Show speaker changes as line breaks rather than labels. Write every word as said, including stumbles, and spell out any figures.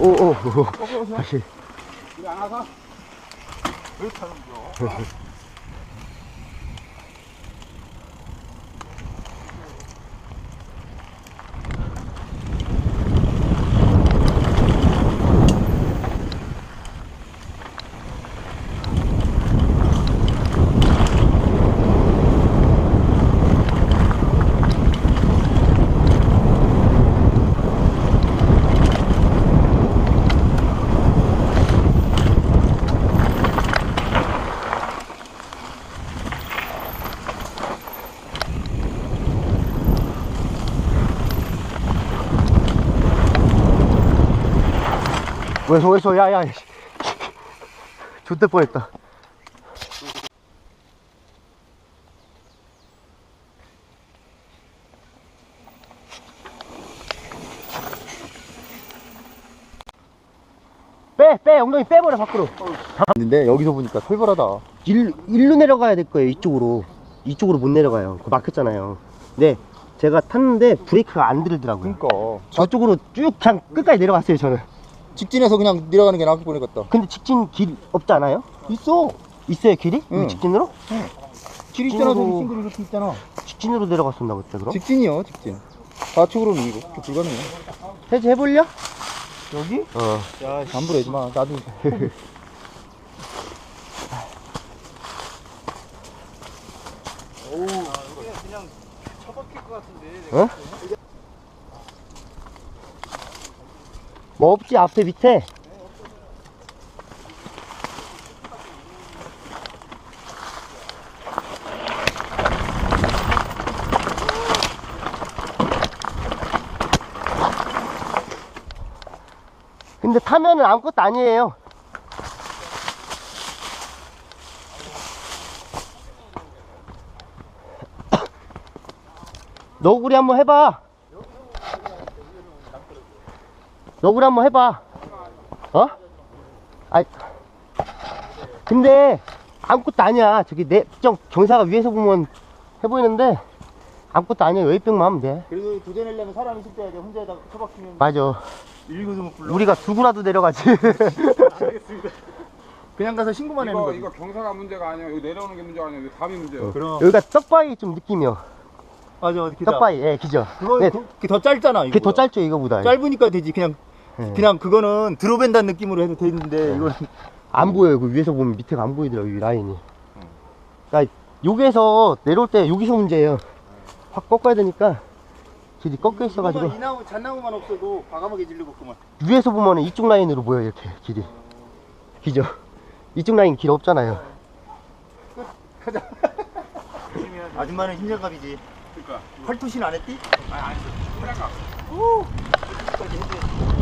오오 다시.
우리 안 와서? 왜 타는 거?
왜, 왜서, 야, 야, X될 뻔했다. 빼, 빼, 엉덩이 빼버려, 밖으로. 근데 여기서 보니까 설벌하다. 일, 일로 내려가야 될 거예요, 이쪽으로. 이쪽으로 못 내려가요. 그거 막혔잖아요. 네, 제가 탔는데 브레이크가 안 들더라고요.
그니까.
저쪽으로 쭉 그냥 끝까지 내려갔어요, 저는.
직진해서 그냥 내려가는 게 나을 뻔했겠다.
근데 직진 길 없지 않아요?
있어.
있어요, 길이?
응.
여기 직진으로?
길 있잖아, 저기
직진으로-
싱글 이렇게 있잖아.
직진으로 내려갔었나 그때 그럼?
직진이요, 직진. 좌측으로는 이거 불가능해.
해지 해볼려?
여기?
어.
야, 함부로 하지 마. 나도. 오우, 그냥 처박힐 것 같은데.
어? 뭐 없지 앞에 밑에. 근데 타면은 아무것도 아니에요. 너구리 한번 해봐. 너구리 한번 해봐. 어? 아, 근데 아무것도 아니야. 저기 내 정 경사가 위에서 보면 해 보이는데 아무것도 아니야. 웨이백만 하면 돼.
그래도 도전하려면 사람이 있을 때 혼자에다가 처박히면.
맞아.
일거도 못 불러.
우리가 두고라도 내려가지.
알겠습니다. 그냥 가서 신고만 하는
이거,
거지.
이거 경사가 문제가 아니야. 여기 내려오는 게 문제가 아니야. 여기 담이 문제야.
그럼.
여기가 떡바위 좀 느낌이요.
맞아, 기다.
떡바위, 예, 기죠.
그거
네,
그, 그게 더 짧잖아.
그게 더
이거보다.
짧죠, 이거보다.
짧으니까 되지. 그냥
예.
그냥 그거는 드롭앤다는 느낌으로 해도 되는데 이거는
안 보여요. 그 위에서 보면 밑에가 안 보이더라고요, 이 라인이. 그러니까 여기에서 내려올 때 여기서 문제예요. 확 꺾어야 되니까 길이 꺾여 있어가지고
이 나무 잣나무만 없어도 과감하게 질러먹구만.
위에서 보면 이쪽 라인으로 보여요, 이렇게 길이. 기죠? 이쪽 라인 길 없잖아요.
아줌마는 힘장갑이지.
그러니까.
팔토신 안 했디?
아니, 안 했어. 그냥 가.
오.